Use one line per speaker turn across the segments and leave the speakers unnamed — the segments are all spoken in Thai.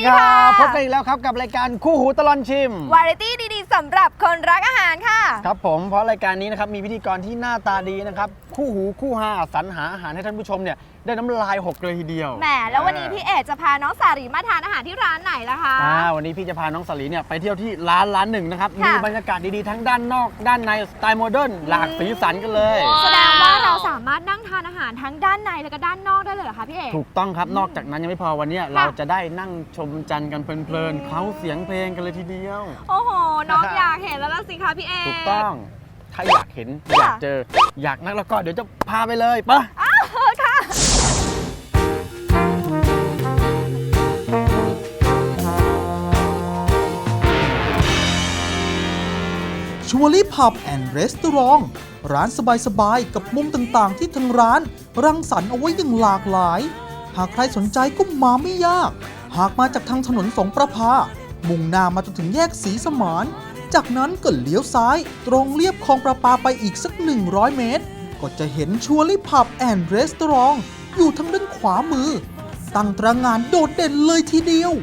ครับพบกันอีกแล้วครับกับรายการคู่หูตลอดชิม
วาไรตี้ดีๆสำหรับคนรักอาหารค่ะ
ครับผมเพราะรายการนี้นะครับมีพิธีกรที่หน้าตาดีนะครับคู่หูคู่หาสรรหาอาหารให้ท่านผู้ชมเนี่ยได้น้ำลายหกเลยทีเดียว
แหมแล้ววันนี้พี่เอกจะพาน้องสารีมาทานอาหารที่ร้านไหนล่ะคะ
วันนี้พี่จะพาน้องสาลีเนี่ยไปเที่ยวที่ร้านหนึ่งนะครับมีบรรยากาศดีๆทั้งด้านนอกด้านในสไตล์โมเดิร์นหลากสีสันกันเลย
แสดงว่าเราสามารถนั่งทานอาหารทั้งด้านในและก็ด้านนอกได้เลยเหรอคะพี่เอก
ถูกต้องครับนอกจากนั้นยังไม่พอวันนี้เราจะได้นั่งชมจันทร์กันเพลินๆเขาเสียงเพลงกันเลยทีเดียว
โอ้โหน้องอยากเห็นแล้วล่ะสิคะพี่เอก
ถูกต้องถ้าอยากเห็นอยากเจออยากนั่งแล้วก็เดี๋ยวจะพาไปเลยปะ
ค่ะ
ชัวรี่พับแอนด์รีสตอรองร้านสบายๆกับมุมต่างๆที่ทางร้านรังสรรค์เอาไว้อย่างหลากหลายหากใครสนใจก็มาไม่ยากหากมาจากทางถนนสงประภามุ่งหน้ามาจนถึงแยกศรีสมานจากนั้นก็เลี้ยวซ้ายตรงเลียบคลองประปาไปอีกสัก100 เมตรก็จะเห็นชัวรี่พับแอนด์รีสตอรองอยู่ทางด้านขวามือตั้งตระหง่านโดดเด่นเลยทีเดียว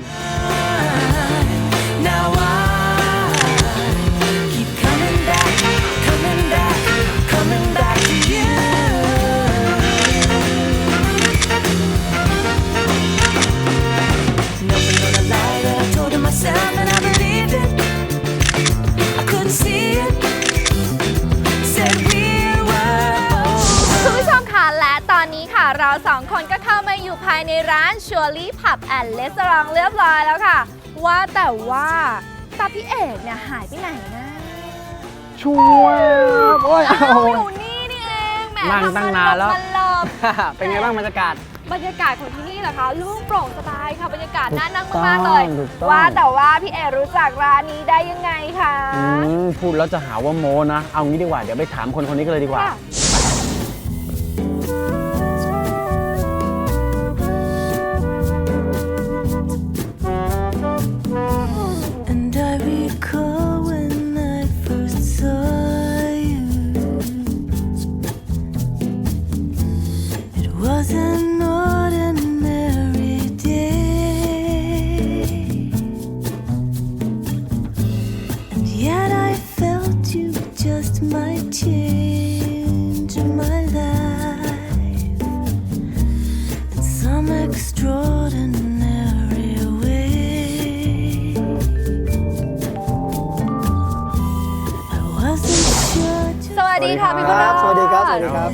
เราสองคนก็เข้ามาอยู่ภายในร้าน Surely Pub and Restaurant เรียบร้อยแล้วค่ะว่าแต่ว่าตาพี่เอกเนี่ยหายไปไหนนะ
ชัวร์โอ้ย
อยู่นี่นี่เองแหม
นั่งตั้งนานแล้ว เป็นไงบ้างบรรยากาศ
ของที่นี่เหรอคะโล่งโปร่งสบายค่ะบรรยากาศน่านั่งมากๆเลยว่าแต่ว่าพี่เอกรู้จักร้านนี้ได้ยังไงคะ
พูดแล้วจะหาว่าโมนะเอางี้ดีกว่าเดี๋ยวไปถามคนนี้กันเลยดีกว่า
สวัสดีค่ะพี่บุญรอด
สวัสดีครับสวัสดีครับ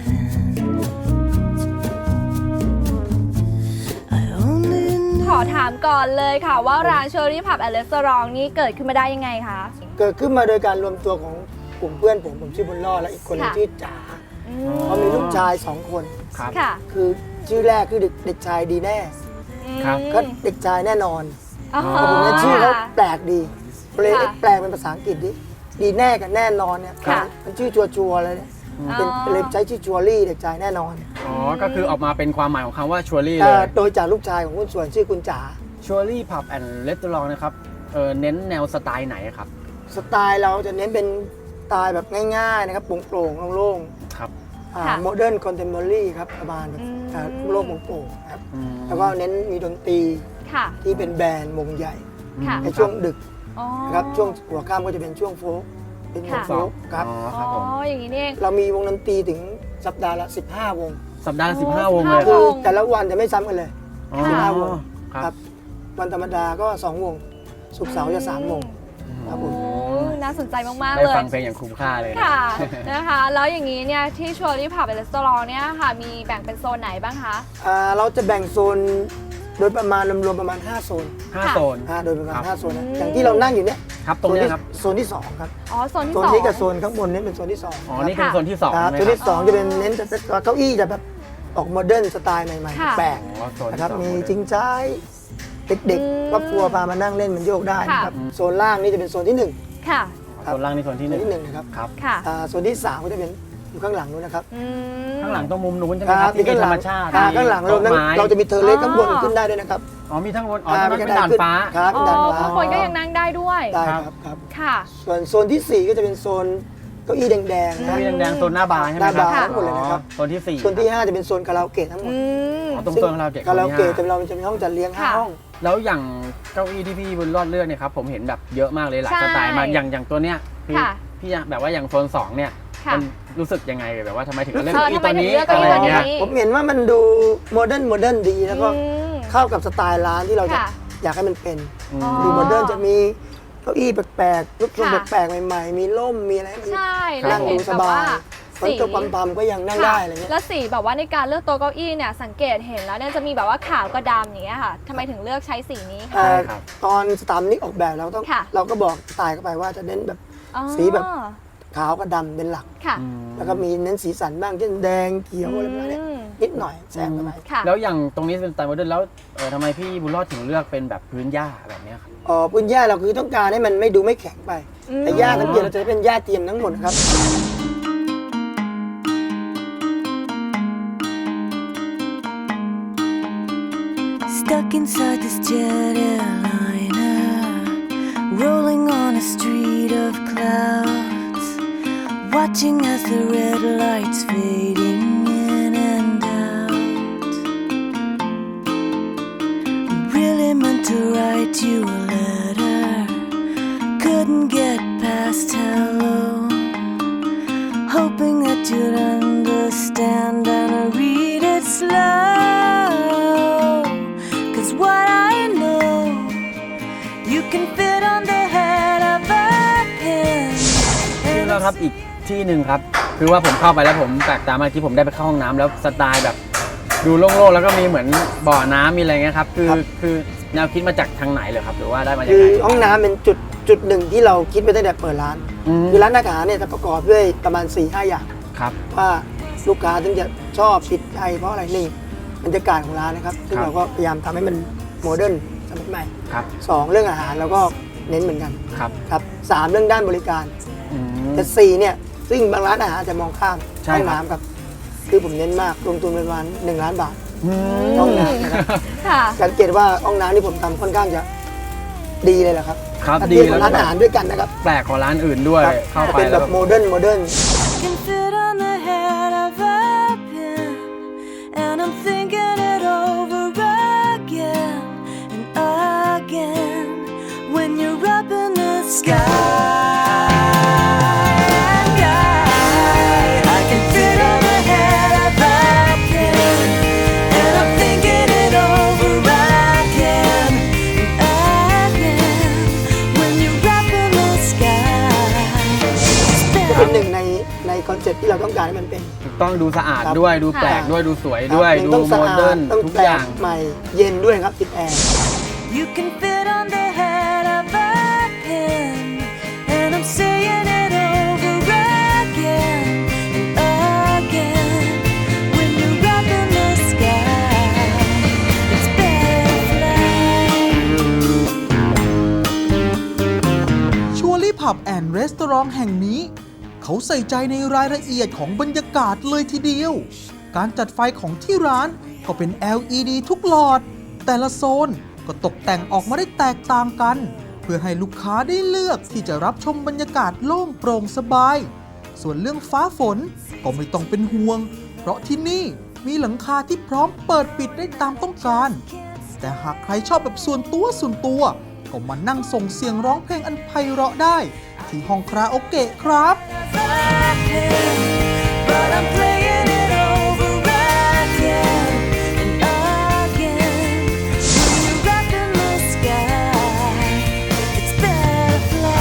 ขอถามก่อนเลยค่ะว่าร้าน Surely Pub and Restaurant นี้เกิดขึ้นมาได้ยังไงคะ
เกิดขึ้นมาโดยการรวมตัวของกลุ่มเพื่อนผมชื่อบุญรอดและอีกคนชื่อจ๋าเขามีลูกชาย2 คนคือชื่อแรกคือเด็กชายดีแน่ก็เด็กชายแน่นอนแต่ผมเนี่ยชื่อเขาแปลกดีเลยแปลเป็นภาษาอังกฤษดีแน่กับแน่นอนเนี่ยมันชื่อชัวร์เลยเนี่ยเป็นเลยใช้ชื่อชัวรี่เด็กชายแน่นอน
ก็คือออกมาเป็นความหมายของคำว่าชัวรี่เลย
โดยจากลูกชายของคุณส่วนชื่อคุณจ๋า
ชัวรี่พับแอนด์รีสตอรองนะครับเน้นแนวสไตล์ไหนครับ
สไตล์เราจะเน้นเป็นสไตล์แบบง่ายๆนะครับโปร่งๆโล่งๆ
ครับ
โมเดิร์นคอนเทมพอรี่ครับประมาณแบบโลกโปร่งๆครับแล้วก็เน้นมีดนตรีที่เป็นแบรนด์วงใหญ่ในช่วงดึกนะครับช่วงหัวค่ำก็จะเป็นช่วงโฟล์เป็นวงโฟล์ครับ
อย่างนี้นี่เอง
เรามีวงดนตรีถึงสัปดาห์ละ15 วง
สัปดาห์ละ15 วงเลย
คือแต่ละวันจะไม่ซ้ำกันเลย15 วงครับวันธรรมดาก็2 วงศุกร์เสาร์จะ3 วงครับผม
น่าสนใจมากๆเลย
ได้ฟังเพลงอย่างคุ้มค่าเลย
ค่ะนะคะแล้วอย่างนี้เนี่ยที่ Surely Pub and Restaurant เนี่ยค่ะมีแบ่งเป็นโซนไหนบ้างคะ
เราจะแบ่งโซนโดยประมาณรวมประมาณ5 โซน
5 โซน
โดยประมาณ5 โซนอย่างที่เรานั่งอยู่เนี่ย
ครับตรงนี้ครับ
โซนที่2ครับ
โซนที่2
นี้กับโซนข้างบนนี้เป็นโซนที่2
นี่เป็นโซนที่2
โซนที่2จะเป็นเน้นเก้าอี้จะแบบออกโมเดิร์นสไตล์ใหม่ๆแปลกนะครับมีจริงใจเด็กๆครอบครัวพามานั่งเล่นมันโยกได้นะครับโซนล่างนี่จะเป็นโซนที่1
ค่ะ
โซนล่างนี่โซนที่
1นะครับโซนที่3ก็จะเป็นอยู่ข้างหลังนู้นนะครับ
ข้างหลังตรงมุมนู้นใช่ไหมครับที่เป็นธรรมชาติ
ข้างหลังเราจะมีเทอร์เลสข้างบนขึ้นได้ด้วยนะครับ
มีทั้งบนเป็นด่านฟ้า
ครับด่านฟ้า
ข้างบนก็ยังนั่งได้ด้วย
ได้ครับ
ค่ะ
ส่วนโซนที่4ก็จะเป็นโซนเก้าอี้แดงๆ
เก้าอี้แดงๆโซนหน้าบาร์ใช่ไหมครับ
หน้าบาร์ทั้งหมดเลยนะครับ
โซนที่4
โซนที่5จะเป็นโซนคาราโอเกะทั้งหมด
ตรงโซนคาราโอเกะ
แต่เราจะมีห้องจัดเลี้ยง5 ห้อง
แล้วอย่างเก้าอี้ที่พี่บุญรอดเลือกเนี่ยครับผมเห็นแบบเยอะมากเลยหลาย
ใช่
สไตล์มากอย่างตัวเนี้ยคือ
ค่ะ
พี่แบบว่าอย่างโซน2เนี่ย
ค่ะ
มันรู้สึกยังไงแบบว่าทำไมถึงเลือก
เออ
เก้าอี้ตัวนี้
ทำไมถึงเลือก
อะไร
เก้าอี้ตัวนี้
เงี้ย
ผมเห็นว่ามันดูโมเดิร์นดีแล้วก็
อืม
เข้ากับสไตล์ร้านที่เราจะ
ค่ะ
อยากให้มันเป็น
อืม
อ๋อ
ดูโมเดิร์นจะมีเก้าอี้แปลกๆรูปทรง
ค่ะ
แปลกๆใหม่ๆ มีร่มมีอะไรให้มัน
ใช่
ครั
แล้ว
บ
เห็น
ดูส
แบบ
บา
ว่าย
ฝนตกปั๊มๆก็ยังนั่งได้อะไรเงี้ย
แล้วสีแบบว่าในการเลือกโต๊ะเก้าอี้เนี่ยสังเกตเห็นแล้วเนี่ยจะมีแบบว่าขาวกับดำอย่างเงี้ยค่ะทำไมถึงเลือกใช้สีนี้คะ
ใช่ครับ
ตอนสถาปนิกออกแบบ
ค่ะ
เราก็บอกสไตล์เข้าไปว่าจะเน้นแบบ
อ๋อ
สีแบบ ขาวกับดำเป็นหลัก
ค่ะ
อืม
แล้วก็มีเน้นสีสันบ้างเช่นแดงเขียวอะไรแบบนี้
อืม
นิดหน่อยแซมเข้าไป
ค่ะ
แล้วอย่างตรงนี้เป็นสไตล์โมเดิร์นแล้วทำไมพี่บุญรอดถึงเลือกเป็นแบบพื้นหญ้าแบบเนี้ยครับ
พื้นหญ้าเราคือต้องการให้มันไม่ดูไม่แข็งไป
อืม
แต่หญ้าทั้งเดียวเราจะเป็นหญ้าเทียมทั้งหมดครับ
Stuck inside this jet airliner, rolling on a street of clouds, watching as the red lights fading in and out. Really meant to write you a letter, couldn't get past hello, hoping that you'd understand and read it slow.What I know, you can fit on the head of a pin.
ที่เราครับอีกที่หนึ่งครับคือว่าผมเข้าไปแล้วผมแปลกตามากที่ผมได้ไปเข้าห้องน้ำแล้วสไตล์แบบดูโล่งๆแล้วก็มีเหมือนบ่อน้ำมีอะไรเงี้ยครับคือแนวคิดมาจากทางไหนเลยครับหรือว่าได้มาจาก
คือ
ไหน
ห้องน้ำเป็นจุดหนึ่งที่เราคิดไปตั้งแต่เปิดร้าน คือร้านอาหารเนี่ยจะประกอบด้วยประมาณ 4-5 อย่าง
ครับ
ว่าลูกค้าถึงจะชอบติดใจเพราะอะไรนี่บรรยากาศของร้านนะครับซึ่ง
ครับ
เราก็พยายามทำให้มันโมเดิร์นสมัยใหม่
ครับ
2 เรื่องอาหารเราก็เน้นเหมือนกัน
ครับ
ครับ3 เรื่องด้านบริการ
อืม
แต่4เนี่ยซึ่งบางร้านอาหารจะมองข้าม
ใช่
ห้อง
ครับ
น้ำครับคือผมเน้นมากลงทุนประมาณ1 ล้านบาท
อืม
ห้องน้ำนะครับ
ค่ะ
สังเกตว่าห้องน้ำที่ผมทำค่อนข้างจะดีเลยแหละครับ
ครับ
ถ้า
ดี
เทียบ
แล้
กับ
ว
ร้านอาหารด้วยกันนะครับ
แปลกกว่าร้านอื่นด้วย
ครับ
เข้าไป
เป็น
แล้
แบ
ว
บโมเดิร์น
Can fit on the head of a pin, and I'm thinking it over again and again when you're up in the sky.I can fit on the head of a pin, and I'm thinking it over again and again when you're up in the sky.
จะเป็นหนึ่งในคอนเซ็ปต์ที่เราต้องการให้มันเป็น
ต้องดูสะอาด
ครับ
ด้วยดูแปลกด้วยดูสวยด้วย
ครับ
ดู
ต้อง
โม
สะอา
เดิ
ด
ร์น
ต้อง
ทุก
แปล
อย่าก ง
ใหม่เย็นด้วยครับติดแอร์
You can fit on the head of a pin, and I'm saying it over again and again. When you're up in the sky, it's better fly.
ชัวรี่ผับแอนด์รีสตอรองแห่งนี้ เขาใส่ใจในรายละเอียดของบรรยากาศเลยทีเดียว การจัดไฟของที่ร้านก็เป็น LED ทุกหลอด แต่ละโซนก็ตกแต่งออกมาได้แตกต่างกัน เพื่อให้ลูกค้าได้เลือกที่จะรับชมบรรยากาศโล่งโปร่งสบาย ส่วนเรื่องฟ้าฝนก็ไม่ต้องเป็นห่วง เพราะที่นี่มีหลังคาที่พร้อมเปิดปิดได้ตามต้องการ แต่หากใครชอบแบบส่วนตัวก็มานั่งส่งเสียงร้องเพลงอันไพเราะได้ ที่ห้องคาราโอเกะครับ
But I'm playing it over again and again. When you're up in the sky, it's better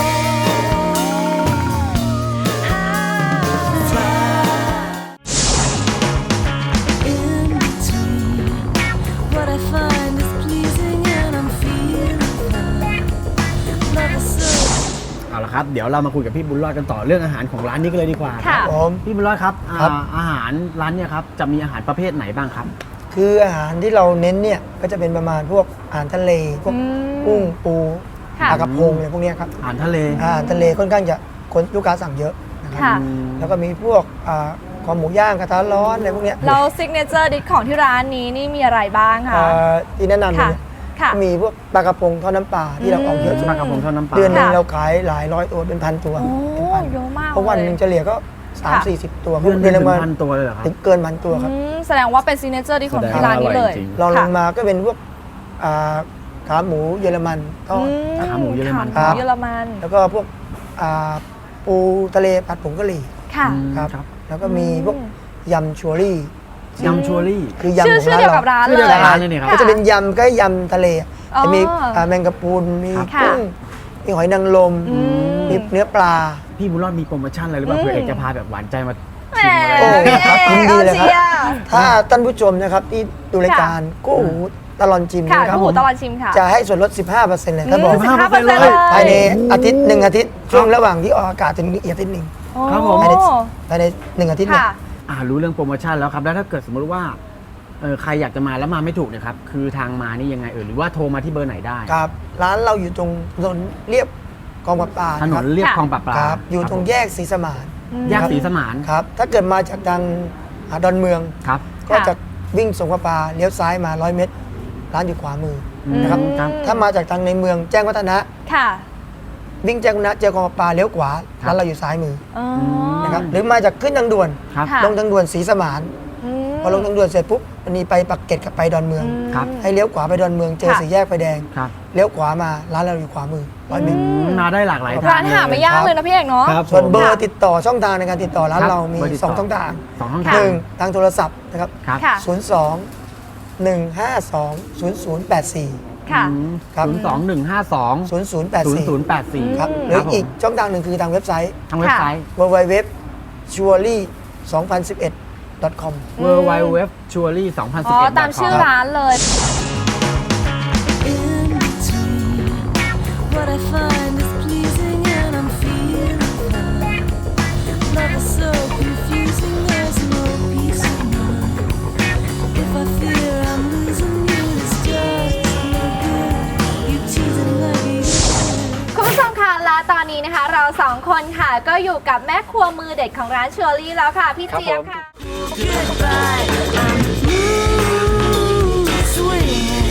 fly. In between, what I find is pleasing and I'm feeling fine. Love is so
เอาละครับเดี๋ยวเรามาคุยกับพี่บุญรอดกันต่อเรื่องอาหารของร้านนี้กันเลยดีกว่า
ค่ะ
ผม
พี่บุญรอดครับ
ครับ
อาหารร้านเนี่ยครับจะมีอาหารประเภทไหนบ้างครับ
คืออาหารที่เราเน้นเนี่ยก็จะเป็นประมาณพวกอาหารทะเลพวก
อืม
กุ้งปู
ค่ะ
ปลากระพงอะไรพวกเนี้ยครับ
อาหารทะเล
อาหารทะเลค่อนข้างจะคนลูกค้าสั่งเยอะนะครับ
ค่ะ
แล้วก็มีพวกคอหมูย่างกระทะร้อนอะไรพวกเนี้ย
เราซิกเนเจอร์ดิชของที่ร้านนี้นี่มีอะไรบ้างคะ
ที่แนะนำเลย
ค่ะ
เนี่ย
ค่ะ
มีพวกปลากระพงทอดน้ำปลาที่เราออกเยอะสุด
ปลากระพงทอดน้ำปลา
เดือนหนึง
ค่ะ
เราขายหลายร้อยตัวเป็นพันตัว
โอ้
เป็นพัน
เยอะมาก
เพราะวันหนึ่งเฉลี่ยก็
ค่ะ
3-40 ตัว
เดือนหนึง
ละ
ถึง
วัน
พันตัวเลยเหรอครับ
ถึงเกินพันตัวครับ
แสดงว่าเป็นซิกเนเจอร์ดิชของที่ร้านนี้เลย
แสดงว่าอร่อยจริง
รองลง
ค่ะ
มาก็เป็นพวกขาหมูเยอรมันทอด
ขาหมูเยอรมัน
ขาหมูเยอรมัน
แล้วก็พวกปูทะเลผัดผงกะหรี่
ค่ะ
ครับ แล้วก็มีพวกยำชัวรี่
ยำชัวรี่
คือยำของ
ชื่อเดียวกับร้าน
ชื่อ
เล
เดียวย กับร้านเลยเนี่ยครับ
ก็จะเป็นยำก็ยำทะเล
อ๋อ
จะมีแมงกะพรุนมี
ค่ะ
กุ้งมีหอยนางรม
อืม
มีเนื้อปลา
พี่บุญรอดมีโปรโมชั่นอะไรหรือเปล่า
อืม
เผื่อเอกจะพาแบบหวานใจมา
แหม
ชิมอะไร
โอ้ครับยินดีเลยครับ
อาชี
ถ้าท่านผู้ชมนะครับที่ดูรายการกู้หูตลอดจิม
ค่ะ
นะครับ
คู่หูตลอดชิมค่ะ
จะให้ส่วนลด 15%เลยครับผม
15% เลย
ภายในอาทิตย์1 อาทิตย์ช่วงระหว่างที่ออกอากาศถึงอีกอาทิตย์หนึ่ง
ครับผม
ภายใน1 อาทิตย์เนี่ย
ค่ะ
รู้เรื่องโปรโมชั่นแล้วครับ แล้วถ้าเกิดสมมติว่าใครอยากจะมาแล้วมาไม่ถูกเนี่ยครับ คือทางมานี่ยังไงหรือว่าโทรมาที่เบอร์ไหนได้
ครับร้านเราอยู่ตรงถนนเรียบกองปลาปลา
ถนนเรียบคลองปลาปลา
ครับอยู่ตรงแยกศรีสมาน
แยกศรีสมาน
ครับถ้าเกิดมาจากทางดอนเมือง
ครับ
ก็จะวิ่งส่งปลาปลาเลี้ยวซ้ายมา100 เมตร ร้านอยู่ขวามือ นะครับ
ครับ
ถ้ามาจากทางในเมืองแจ้งวัฒนะ
ค่ะ
วิ่งแจ้งวัฒนะเจอกองปลาปลาเลี้ยวขวา
ครับ
ร้านเราอยู่ซ้ายมือ
อ๋อ
นะครับหรือมาจากขึ้นทางด่วน
ครับ
ค่ะ
ลงทางด่วนศรีสมาน
อืม
พอลงทางด่วนเสร็จปุ๊บมันมีไปปักเกร็ดกับไปดอนเมือง
ครับ
ให้เลี้ยวขวาไปดอนเมืองเจอ
ค่ะ
สี่แยกไฟแดง
ครับ
เลี้ยวขวามาร้านเราอยู่ขวามือ100 เมตร
มาได้หลากหลายทาง
ร้านหาไม่ยากเลยนะพี่เอกเนาะ
ครับ
ส่วนเบอ
ผม
ร์ติดต่อช่องทางในการติดต่อร้าน
ครับ
เรามี
เบอร์ติดต่อ
2 ช่องทาง
สองช่อง
ค่ะ
ทาง
1 ทางโทรศัพท์นะครับ
ครับ
ค่ะ
02 152 0084
ค่ะ
ครับ
02152
0084
0084
ครับหรืออีกช่องทางหนึ่งคือทางเว็บไซต์
ทางเว็บไซต์
www surely 2011 com
w w w c h u r y 2011
อ๋อ ตามชื่อร้านเลย
In between, what I find is pleasing and I'm feeling fine. Love is so confusing, there's no peace of mind. If I fear I'm losing you, it's just no good. You teasing like you should.
คุณผู้ชมคะและตอนนี้นะคะ เราสองคนค่ะ ก็อยู่กับแม่ครัวมือเด็ดของร้านชัวรี่แล้วค่ะ พี่เจี๊ยบค่ะ
Goodbye, I'm mood swinging.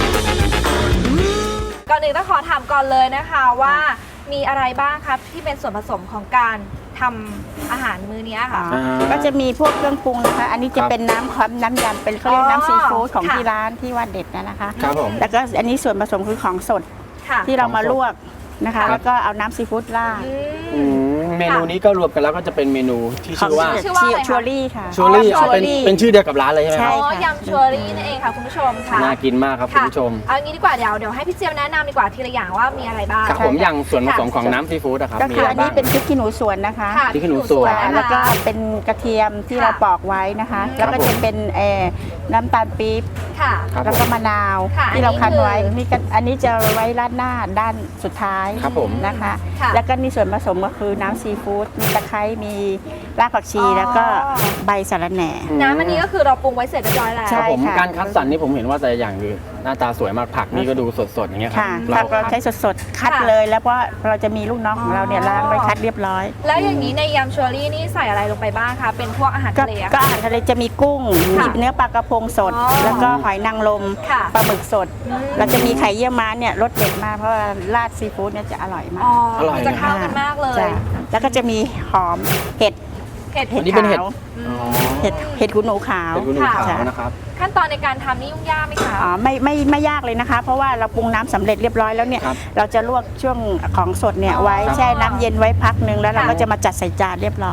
ก่อนอื่นต้องขอถามก่อนเลยนะคะว่ามีอะไรบ้างครับที่เป็นส่วนผสมของการทำอาหารมื้อนี้ค่ะ
ก็จะมีพวกเครื่องปรุงนะคะ อันนี้จะเป็นน้ำครับน้ำยำเป็นเขาเรียกน้ำซีฟู้ดของ
ค่ะ
ที่ร้านที่ว่าเด็ดนะคะ
ครับผม
แล้วก็อันนี้ส่วนผสมคือของสด
ค่ะ
ที่เรามาลวกนะ
ครั
คะ
บ
แล้วก็เอาน้ำซีฟู้ดราด
อืม
เมนูนี้ก็รวมกันแล้วก็จะเป็นเมนูที่ชื่อว่า
ชื่อว่าอะไรคะ
ชัวรี่ค่ะ
ชัวรี่
อ๋อ
เป็นชื่อเดียวกับร้านเลยใช่ไหมค
ใช่
รับ
อ๋อยำชัวรี่นั่นเองค่ะคุณผู้ชมค่ะ
น่ากินมากครับคุณผู้ชม
เอางี้ดีกว่าเดี๋ยวให้พี่เจี๊ยบแนะนำดีกว่าทีละอย่างว่ามีอะไรบ้าง
ครับผมอย่างส่วนผสมของน้ำซีฟู้ดอะครับ
ก็
มี
คือ
อะไร
อัน
บ้า
นี้
ง
เป็นพริกขี้หนูสวนนะคะ
ค่ะ
พริกขี้หนูสวน
แล้วก็เป็นกระเทียมที่
ค่ะ
เราปอกไว้นะคะ แล้วก็จะเป็นน้ำตาลปี๊บ
ค่ะ
ครับ
แล้วก็มะนาว
ค่ะ
ที่เราคั้นไว้
อันนี้คือ
นี่ก็อันนี้จะไว้ราดหน้าด้านสุดท้าย
ครับผม
นะคะ
ค่ะ
แล้วก็นี่ส่วนผสมก็คือน้ำซีฟู้ดมีตะไคร้มีรากผักชีแล้วก็ใบสะระแหน่
น้ำอันนี้ก็คือเราปรุงไว้เสร็จเรียบร้อยแล้ว
ใช่
ครับผม
ค่ะ
การคัดสรรนี่ผมเห็นว่าแต่อย่างคือหน้าตาสวยมากผักนี่ก็ดูสดๆอย่างเงี้ยครั
ค่ะ
เรา
ผักเราใช้สดๆ คัดเลยแล้วเพราะเราจะมีลูกน้องของเราเนี่ยล้างไว้คัดเรียบร้อย
แล้วอย่างนี้ในยำชัวรี่นี่ใส่อะไรลงไปบ้างคะ เป็นพวกอาหาร
ก็
ทะเลอะ
ก็อาหารทะเลจะมีกุ้ง
ค่ะ
มีเนื้อปลากระพงสด
อ๋อ
แล้วก็หอยนางรม
ค่ะ
ปลาหมึกสด เราจะมีไข่เยี่ยวม้าเนี่ยรสเด็ดมากเพราะว่าราดซีฟู้ดเนี่ยจะอร่อยมาก
อ๋อ
อร่อย
จะเข้ากันมากเลย
จ้ะแล้วก็จะมีหอมเห็ด
เผ็ด
อันนี้เป็นเห็ด
ขาว
อ๋อ
เห็ดหูหนูขาว
เป็นกุนูขาว
ค่ะ
นะครับ
ขั้นตอนในการทำนี่ยุ่งยากไหมคะ
อ๋อไม่ยากเลยนะคะ เพราะว่าเราปรุงน้ำสำเร็จเรียบร้อยแล้วเนี่ย
ครับ
เราจะลวกช่วงของสดเนี่ยไว้
ครับ
แช่น้ำเย็นไว้พักหนึ่งแล้วเรา
ค่ะ
ก็จะมาจัดใส่จานเรียบร้อย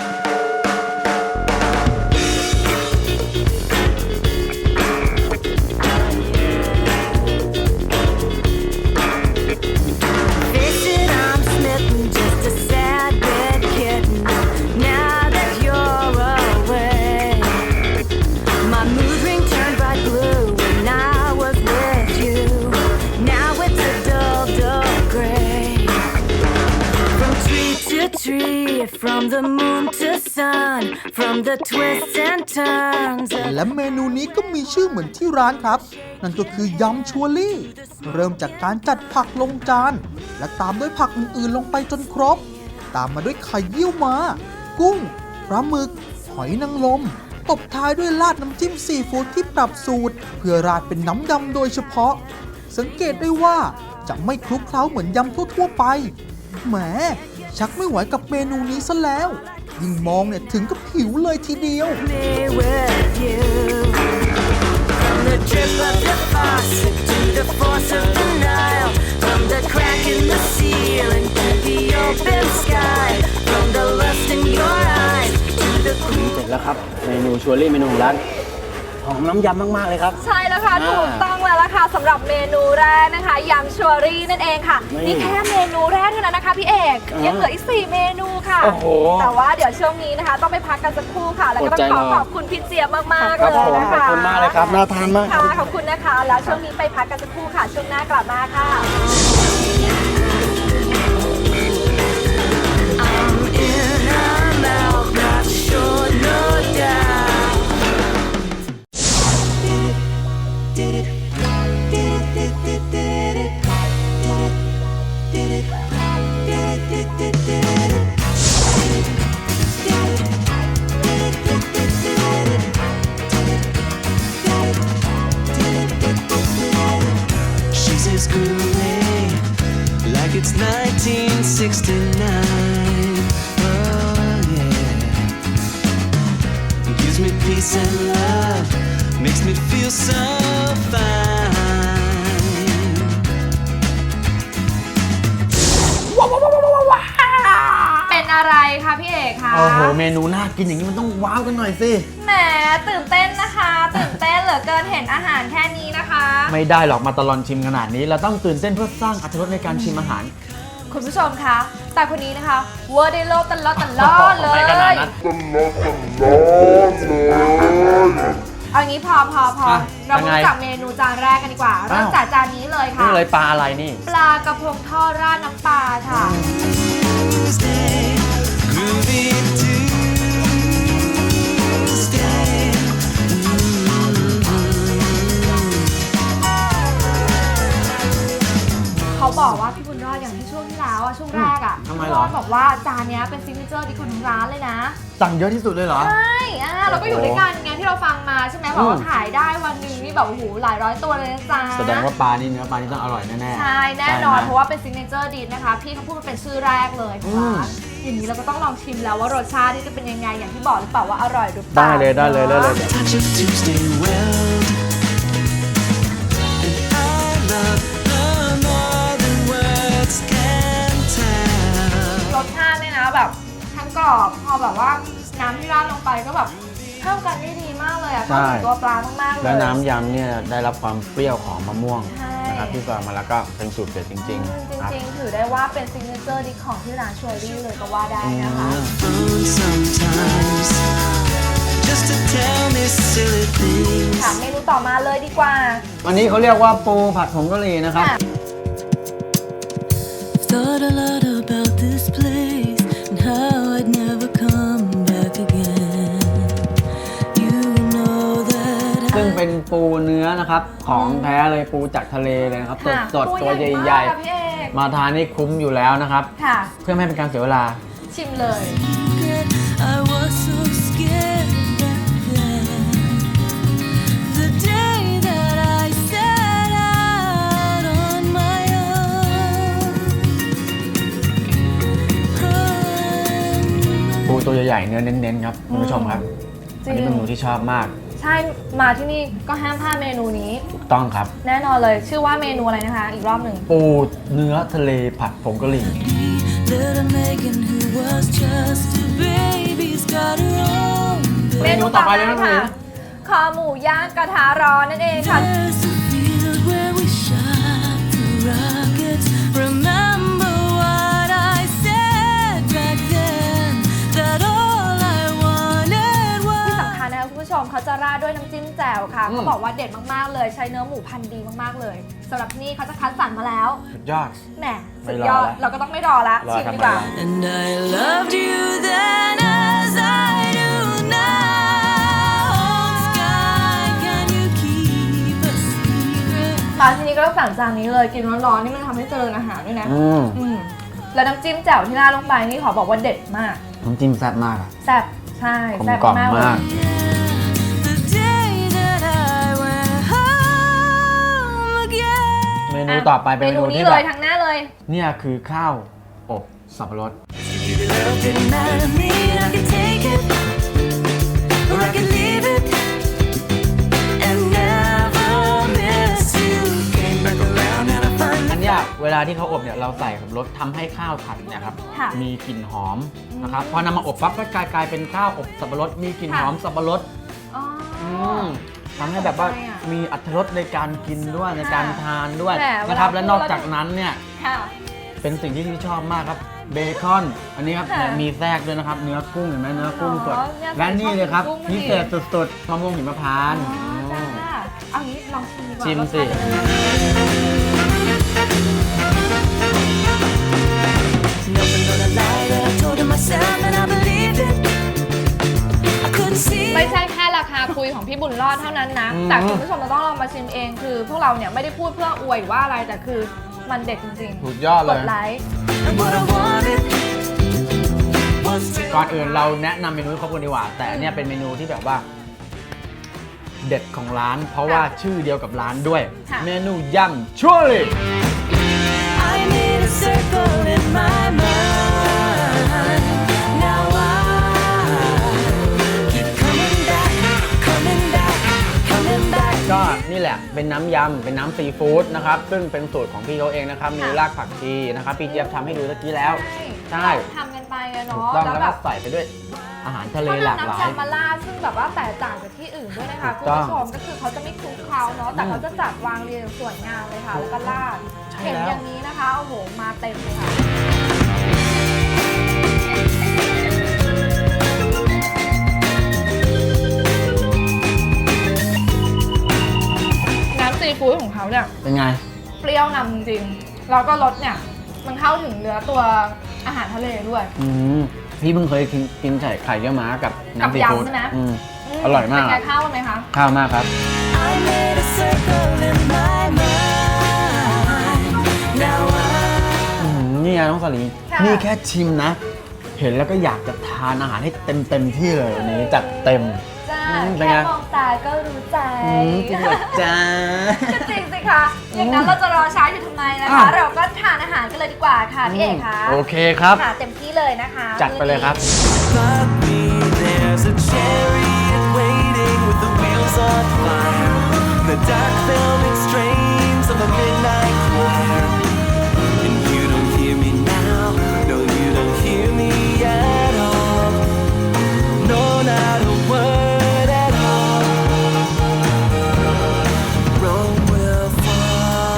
Face it, I'm smitten, just a sad bed kitten. Now that you're away, my mood ring turned bright blue when I was with you. Now it's a dull, dull gray. From tree to tree, from the moon to sun, from the twists and turns.
และเมนูนี้ก็มีชื่อเหมือนที่ร้านครับ นั่นก็คือยำชัวรี่ เริ่มจากการจัดผักลงจาน และตามด้วยผักอื่นๆลงไปจนครบ ตามมาด้วยไข่เยี่ยวม้า กุ้งปลาหมึก หอยนางรมตบท้ายด้วยราดน้ำจิ้มซีฟู้ดที่ปรับสูตร เพื่อราดเป็นน้ำยำโดยเฉพาะ สังเกตได้ว่าจะไม่คลุกเคล้าเหมือนยำทั่วๆไปแหมชักไม่ไหวกับเมนูนี้ซะแล้ว ยิ่งมองเนี่ยถึงกับหิวเลยทีเดียว
Me with you. From the the drip of the faucet to the force of the Nile, from the crack in the ceiling to the open sky, from the lust in your eyes to the cool.
เสร็จแล้วครับเมนูชัวรี่เมนูของร้านหอมน้ำยำมากๆเลยครับ
ใช่แล้วค่ะ ถูกต้องแล้วล่ะค่ะสำหรับเมนูแรกนะคะยำชัวรี่นั่นเองค่ะ
นี่
นี่แค่เมนูแรกเท่านั้นนะคะพี่เอกยังเหลืออีก4เมนูค่ะ
โอ้โห
แต่ว่าเดี๋ยวช่วงนี้นะคะ ต้องไปพักกันสักครู่ค่ะ แล้วก็ต้องขอขอบคุณพี่เจี๊ยบมากๆ
ครับ
เล
ผ
ย
ม
นะ
ขอบ
คะ
คุณมากเลยครับน่าทานมาก
ค่ะขอบคุณนะคะ แล้วช่วงนี้ไปพักกันสักครู่ค่ะ ช่วงหน้ากลับมาค่ะ
In I'm out, not sure, no doubt.
She's as groovy, like it's 1969. Oh yeah, gives me peace and love, makes me feel so fine.
เป็นอะไรคะพี่เอกคะ
โอ้โหเมนูน่ากินอย่างนี้มันต้องว้าวกันหน่อยสิ
แหมตื่นเต้นนะคะตื่นเต้นเหลือเกินเห็นอาหารแค่นี้นะคะ
ไม่ได้หรอกมาตลอดชิมขนาดนี้ เราต้องตื่นเต้นเพื่อสร้างอรรถรสในการชิมอาหาร
คุณผู้ชมคะแต่คนนี้นะคะเวอร์ได้โลดตลอดเลย
ไม่ขนาดนั้น
เอางี้พอ
อ่ะ
เรา
ยัง
มา
ไง
จากเมนูจานแรกกันดีกว่าเริ่มจากจานนี้เลยค่ะ
นี่เลยปลาอะไรนี่
ปลากระพงทอดราดน้ำปลาค่ะ
Tuesday, groovy Tuesday.
เขาบอกว่าพี่บุญรอดอย่างที่ช่วงที่แล้วอะช่วงแรกอะ
ทำไม
พี่
เหรอ
รอดบอกว่าจานเนี้ยเป็นซิกเนเจอร์ดิของทางร้านเลยนะ
สั่งเยอะที่สุดเลยเหรอ
ใช่เราก็อยู่ด้วยกันไงที่เราฟังมาใช่ไหมบอกว่าขายได้วันหนึงนี่แบบโอ้โหหลายร้อยตัวเลยนะจ๊ะ
แสดงว่าปลานี่เนื้อปลานี่ต้องอร่อยแน่ๆ
ใช่แน่นอน
ใช่ไหม
เพราะว่าเป็นซิกเนเจอร์ดิชนะคะพี่เขาพูดว่าเป็นชื่อแรกเลยของร้านอย่างนี้เราก็ต้องลองชิมแล้วว่ารสชาตินี่จะเป็นยังไงอย่างที่บอกหรือเปล่าว่าอร่อยหรือเปล่า
ได้เลย
Touch of Tuesday world, and I love her more than words can tell.
รสชาติเนี่ยนะแบบทั้งกรอบพอแบบว่าน้ำที่ราดลงไปก็แบบเข้ากันได้ดีมากเลยอะเข้าถึงตัวปลามากๆเลย
แล้วน้ำยำเนี่ยได้รับความเปรี้ยวของมะม่วง
ใช่
นะครับที่ใส่มาแล้วก็เป็นสูตรเด็ดจริงๆครับ
จริงๆถือได้ว่าเป็นซิกเนเจอร์ดิชของที่ร้านชัวรี่เลยก็ว่าได้นะคะ
Phone sometimes, just to tell me silly things.
ค่ะเมนูต่อมาเลยดีกว่า
วันนี้เขาเรียกว่าปูผัดผงกะหรี่นะครับ
ค่ะ
Thought a lot about this place and how I'd never come back again. You know that
ซึ่งเป็นปูเนื้อนะครับของแท้เลยปูจากทะเลเลยนะครับสด
ค่ะ
สดตัวใหญ่
มากค่ะพี่เอก
ๆ มาทานนี่คุ้มอยู่แล้วนะครับ
ค่ะ
เพื่อไม่ให้เป็นการเสียเวลา
ชิมเลย
I was so scared back then. The day that I set out on my own.
ปูตัวใหญ่ๆเนื้อเน้นๆครับคุณผู้ชมครับ
จริ
อัน
ง
นี้เป็นเมนูที่ชอบมาก
ใช่มาที่นี่ก็ห้ามพลาดเมนูนี้
ถูกต้องครับ
แน่นอนเลยชื่อว่าเมนูอะไรนะคะ อีกรอบหนึ่ง
ปูเนื้อทะเลผัดผงกะหรี่
Little Megan, who was just a baby's got her own.
เมนูต่อไปเลยค่ะคอหมูย่างกระทะร้อนนั่นเองค่ะ
There's a field where we shot the rockets. Remember what I said back then? That all I wanted
ที่
was.
สำคัญนะคะคุณผู้ชมเขาจะราดด้วยน้ำจิ้มแจ่วค่ะเขาบอกว่าเด็ดมากๆเลยใช้เนื้อหมูพันธุ์ดีมากๆเลยสำหรับที่นี่เขาจะคัดสรรมาแล้ว
สุดยอด
แหม
ไม่
สุด
รอย
อด
แล้ว
เราก็ต้องไม่รอละ
รอ
ชิม
ทำไม
ดีกว่า
ล่ะ
And I loved you then as I do now. Sky, can you keep a secret?
มาที่นี่ก็ต้องสั่งจานนี้เลยกินร้อนๆนี่มันทำให้เจริญอาหารด้วยนะ
อืม
อืมแล้วน้ำจิ้มแจ่วที่ราดลงไปนี่ขอบอกว่าเด็ดมาก
น้ำจิ้มแซ่บมากอะ
แซ่บใช่
กลม
แซ่บ
กล่อม
มากเลย
มาก
The day that I went home again.
เมนูต่อไปเป็นเมนู
นี้
ที่
เล
แบบ
ยทั้งหน้าเลย
เนี่ยคือข้าวอบสับปะรด
Love didn't matter to me. I could take it or I could leave it and never
เวลาที่เขาอบเนี่ยเราใส่สับปะรดทำให้ข้าวผัดเนี่ยครับ
ค่ะ
มีกลิ่นหอมนะครับพอนำมาอบปั๊บก็กลายเป็นข้าวอบสับปะรดมีกลิ่นหอมสับปะรด
อ๋อ
ทำให้แบบว่า
น่าสนใจอะ
มีอรรถรสในการกินด้วยในการทานด้วย
แหมเวลา
นะครับและ
พูด
นอกจากนั้นเนี่ย
ค่ะ
เป็นสิ่งที่พี่ชอบมากครับเบคอนอันนี้ครับ
ค่ะ
มีแทรกด้วยนะครับเนื้อกุ้งเห็นไหมเนื้อกุ้งสด
อ๋อเนี่ย
และนี่เลยครับ
ชอบกินกุ้ง
พิเศษสุดๆมะม่วงหิมพานต์
อ๋อจ้าเอางี้ลองชิมดีกว่า
ชิมสิ
รสชาติเป็นยังไง
Never gonna lie that I told myself and I believed it. I couldn't see
ไม่ใช่แค่ราคาคุยของพี่บุญรอดเท่านั้นนะ แต่คุณผู้ชมเราต้องลองมาชิมเองคือ พวกเราเนี่ยไม่ได้พูดเพื่ออวยหรือว่าอะไรแต่คือมันเด็ดจริง
สุดยอด
ๆ
เล
ก
ย
ดไลค์
and what I wanted was to
ก่อนอื่นเราแนะนำเมนูให้ครบกันดีกว่า แต่อันเนี่ยเป็นเมนูที่แบบว่า เด็ดของร้าน เพราะว่าชื่อเดียวกับร้านด้วย
ค่ะ
เมนูยำชัวรี่
I need a circle in my mind. Now I keep coming back, coming back, coming back.
ก็นี่แหละเป็นน้ำยำเป็นน้ำซีฟู้ดนะครับซึ่งเป็นสูตรของพี่เขาเองนะครับมีรากผักชีนะครับพี่เจี๊ยบทำให้ดูตะกี้แล้ว ใช่
ทำกันไปอะ
ถู
เนาะ
กต้อง
แล้ว
แล้ว
แบ
ก็
บ
ใส่ไปด้วยอาหารทะเล
เขา
หลาก
นำ
หลา
น้ำ
ย
ยำมาราดซึ่งแบบว่าแตกต่างจากที่อื่นด้วยนะคะ
ถู
คุ
ก
ณ
ต้อง
ผู้ชมก็คือเขาจะไม่คลุกเคล้าเนาะแต่เขาจะจัดวางเรียงสวยงามเลยค่ะแล้วก็ราด
ใช่
เห็น
แล้ว
อย่างนี้นะคะโอ้โหมาเต็มเลยค่ะน้ำซีฟู้ดของเขาเนี่ย
เป็นไง
เปรี้ยวนำจริงๆแล้วก็รสเนี่ยมันเข้าถึงเนื้อตัวอาหารทะเลด้วย
พี่เพิ่งเคยกินไข่เยี่ยวม้ากับน้ำซีฟู้ด
กับยำใช่ไหม
อร่อยมาก
เป็นไงข้าวกันไหมคะ
ข้าวมากครับ
I made a circle in my mind. Now I
นี่ไงน้องสลี
ค่ะ
นี่แค่ชิมนะ เห็นแล้วก็อยากจะทานอาหารให้เต็มที่เลยวันนี้จัดเต็ม
จ้า
เป็นไง
แค่มองตาก็รู้ใจ
จริงเหรอจ้า
ก็จริงสิคะอย่างนั้นเราจะรอช้าอยู่ทำไมนะคะ
อ่ะ
เราก็ทานอาหารกันเลยดีกว่าค่ะพี่เอกคะ
โอเคครับ
ค่ะเต็มที่เลยนะคะ
จัดไปเลยครับ
But me, there's a chariot waiting with the wheels on fire. The dark velvet strains of a midnight choir. And you don't hear me now, no, you don't hear me at all. No, not a word at all. Rome will fall.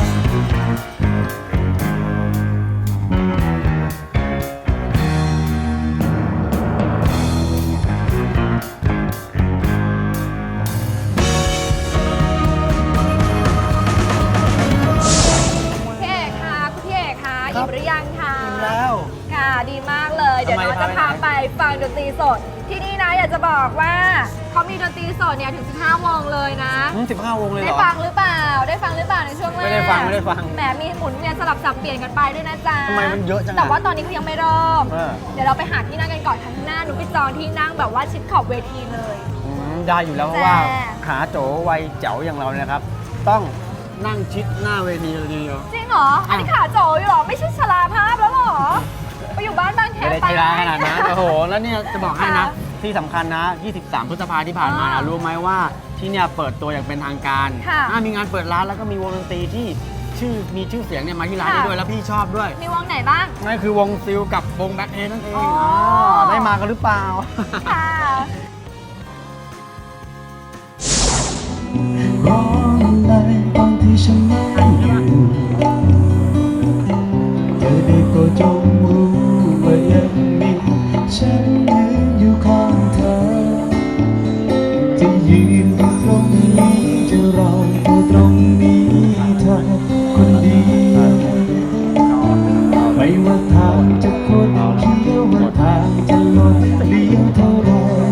พี่เอกคะคุณพี่เอกคะอิ่มหรือยังคะ
แล้ว
ค่ะดีมากเลยเดี๋ยวน้องจะพาไปฟังดนตรีสด ที่นี่นะอยากจะบอกว่าเขามีดนตรีสดเนี่ยถึง 15 วงเลยนะ
15 วงเลยเห
ได้
รอ
ฟังหรือเปล่า ได้ฟังหรือเปล่าในช่วงแรก
ไม่ได้ฟังไม่ได้ฟัง
แหมมีหมุนเวียนสลับสับเปลี่ยนกันไปด้วยนะจ๊ะ
ทำไมมันเยอะจังอะ
แต่ว่าตอนนี้เขายังไม่เริ่ม
เออ
เดี๋ยวเราไปหาที่นั่งกันก่อนข้างหน้าหนูไปจองที่นั่งแบบว่าชิดขอบเวทีเลย
ได้อยู่แล้วเพราะว่า
แจ้
ขาโจวัยเจ๋วอย่างเราเนี่ยครับ ต้องนั่งชิดหน้าเวทีเลยทีเดียว
จริงเหรอ อันนี้ขาโจอยู่เหรอ ไม่ใช่ชราภาพแล้วเหรอ ไปอยู่บ้านบางแค
ไม่ได้
ไป
ใจร้ายขนาดนั้น โอ้โห แล้วเนี่ยจะบอกให้นะ
ค่ะ
ที่สำคัญนะ 23 พฤษภาที่ผ่านมา
อ่า
รู้ไหมว่าที่เนี่ยเปิดตัวอย่างเป็นทางการ
ค่ะ
มีงานเปิดร้านแล้วก็มีวงดนตรีที่มีชื่อเสียงเนี่ยมาที่ร้าน
ค่ะ
นี้ด้วยแล้วพี่ชอบด้วย
มีวงไหนบ้าง
นั่นคือวงซิลกับวงแบ็คเอนั่นเอง
อ๋อ
ได้มากันหรือเปล่า
ค่ะ
ร้องอะไรตอนที่ฉันไม่อยู่เธอได้โปรดจงรู้ว่ายังมีฉันยืนอยู่ข้างเธอจะยืนอยู่ตรงนี้จะรออยู่ตรงนี้เธอคนเดียวไม่ว่าทางจะคดเคี้ยวว่าทางจะลดเลี้ยวเท่าไร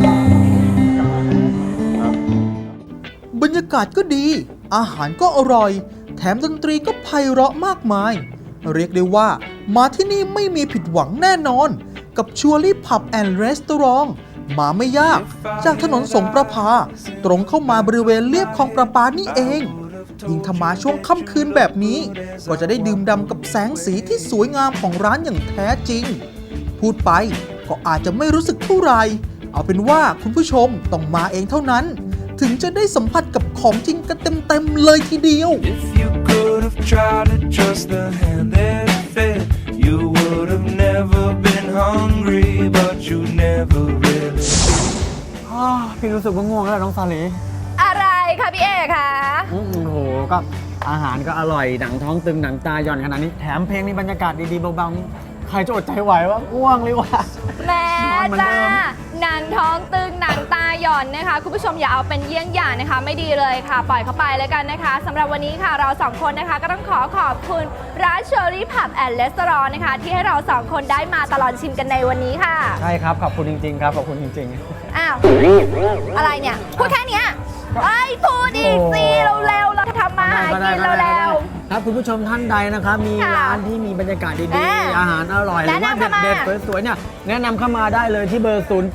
บรรยากาศก็ดี อาหารก็อร่อย แถมดนตรีก็ไพเราะมากมาย เรียกได้ว่ามาที่นี่ไม่มีผิดหวังแน่นอน กับชัวรี่ผับแอนด์รีสตอรองมาไม่ยาก จากถนนสงประภา ตรงเข้ามาบริเวณเลียบคลองประปานี่เอง ยิ่งถ้ามาช่วงค่ำคืนแบบนี้ ก็จะได้ดื่มด่ำกับแสงสีที่สวยงามของร้านอย่างแท้จริง พูดไปก็อาจจะไม่รู้สึกเท่าไหร่ เอาเป็นว่าคุณผู้ชมต้องมาเองเท่านั้น ถึงจะได้สัมผัสกับของจริงกันเต็มๆเลยทีเดียว
If you could have try to trust the hand that fed, you would have never been hungry, but you never really.
พี่รู้สึกว่าง่วงแล้วน้องซาลี
อะไรคะพี่เอกคะ
โอ้โหก็อาหารก็อร่อยหนังท้องตึงหนังตาหย่อนขนาดนี้แถมเพลงมีบรรยากาศดีๆเบาๆใครจะอดใจไหวว่าง่วงเลยว่ะ
แม่
นอนเหมือนเดิ
จ้าม หนังท้องตึงหนังตาหย่อนนะคะคุณผู้ชมอย่าเอาเป็นเยี่ยงอย่างนะคะ ไม่ดีเลยค่ะ ปล่อยเข้าไปแล้วกันนะคะสำหรับวันนี้ค่ะเราสองคนนะคะก็ต้องขอบคุณร้าน Cherry Pub and Restaurant นะคะที่ให้เราสองคนได้มาตลอดชิมกันในวันนี้ค่ะ
ใช่ครับขอบคุณจริงๆครับขอบคุณจริงๆ
อ้าวอะไรเนี่ยพูดแค่เนี้ยไอ้ยพูดอีกสิเร็วๆเราทำมาหากินเร็ว
ครับคุณผู้ชมท่านใดนะครับมี
ค่ะ
ร้านที่มีบรรยากาศดี
อ่า
ๆอาหารอร่อยหรือว่า
แนะนำเข้ามา
เด็ดๆสวยๆเนี่ยแนะนำเข้ามาได้เลยที่เบอร์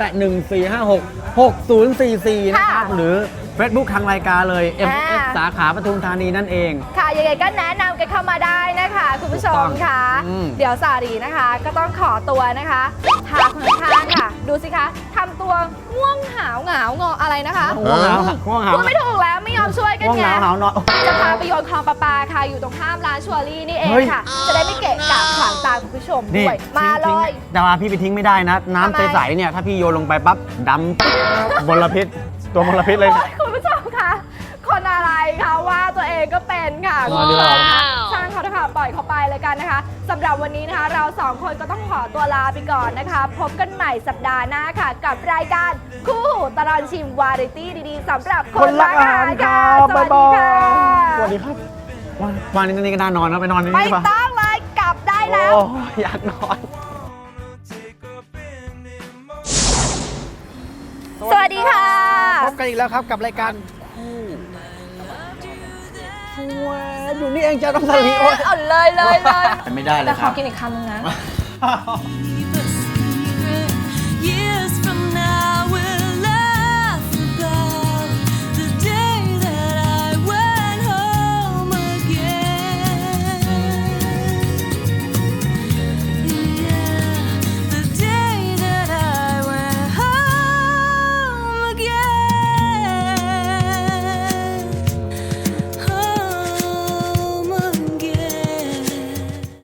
0814566044 นะครับ
ค่ะ
หรือ Facebook ทางรายการเลย
อ่า
MS สาขาปทุมธานีนั่นเอง
ค่ะยังไงก็แนะนำกันเข้ามาได้นะคะคุณผู้ชมค่ะ
อืม
เดี๋ยวสารีนะคะ ก็ต้องขอตัวนะคะพาคนข้างๆค่ะ ดูสิคะทำตัวง่วงหาวเหงางออะไรนะคะ
ง่วงเหงาง่วงเหงา
พูดไม่ถูกแล้วไม่ยอมช่วยกัน
ง่วง
ไง
เหงาหาวนอน
จะพาไปโยนคลองประปาค่ะอยู่ตรงข้ามร้านชัวรี่นี่เอง
เฮ้ย
ค่ะ จะได้ไม่เกะกะขวางตาคุณผู้ชม
นี่
ด้วยมาเล
ทิ้ง
ย
แต่ว่าพี่ไปทิ้งไม่ได้นะ
ทำไม
น้ำใสๆเนี่ยถ้าพี่โยนลงไปปั๊บดำปึ๊บมลพิษตัวมลพิษเลย
โอ๊ยคุณผู้ชมคะคนอะไรคะว่าตัวเองก็เป็นค่ะ
มาดีกว่า
ช่างเขาเถอะค่ะปล่อยเขาไปเลยกันนะคะสำหรับวันนี้นะคะ เราสองคนก็ต้องขอตัวลาไปก่อนนะคะ พบกันใหม่สัปดาห์หน้าค่ะ กับรายการคู่หูตลอดชิมวาไรตี้ดีๆสำหรับคนรักอาหารค่ะสวัสดีค่ะ
สวัสดีครับวันนี้ก็น่านอนนะไปนอนนี่
ไม่
ดีกว่า
ต้องเลยกลับได้แล้ว
โอ้อยากนอน
สวัสดีค่ะ
พบกันอีกแล้วครับกับรายการคู่อยู่นี่เองจะต้องสลีโอ้ย
อ่อนเลยเลย
ไม่ได้เลย
แต่
ค
ข
รั
อบ กินอีกคำนึงนะ
Even